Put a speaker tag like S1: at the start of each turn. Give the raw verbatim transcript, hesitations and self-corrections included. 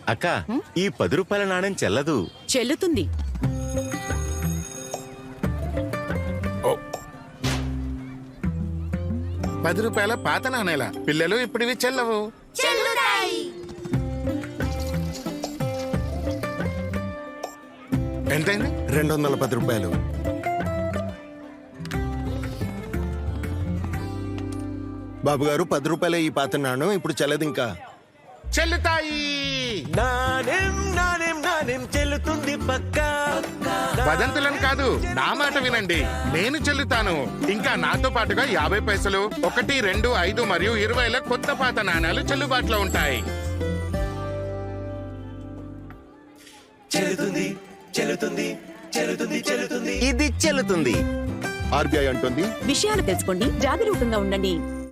S1: అక్క ఈ పది రూపాయల నాణ్యం చెల్లదు.
S2: చెల్లుతుంది.
S3: పది రూపాయల పాత నాణేల పిల్లలు ఇప్పుడు ఇవి చెల్లవు. ఎంతైంది?
S4: రెండు వందల పది రూపాయలు. బాబు గారు, పది రూపాయల ఈ పాత నాణ్యం ఇప్పుడు చెల్లదు. ఇంకా
S3: చెల్లుతాయి.
S1: నాణ్యం నాణ్యం నాణ్యం చెల్లుతుంది పక్క.
S3: వదంతులను కాదు, నా మాట వినండి. నేను చెల్లుతాను. ఇంకా నాతో పాటుగా యాభై పైసలు, ఒకటి, రెండు, ఐదు మరియు ఇరవైల కొత్త పాత నాణ్యాలు చెల్లుబాటులో ఉంటాయి.
S1: చెల్లుతుంది చెల్లుతుంది చెల్లుతుంది చెల్లుతుంది ఇది చెల్లుతుంది.
S4: ఆర్బీఐ అంటుంది,
S2: విషయాలు తెలుసుకోండి, జాగరూకంగా ఉండండి.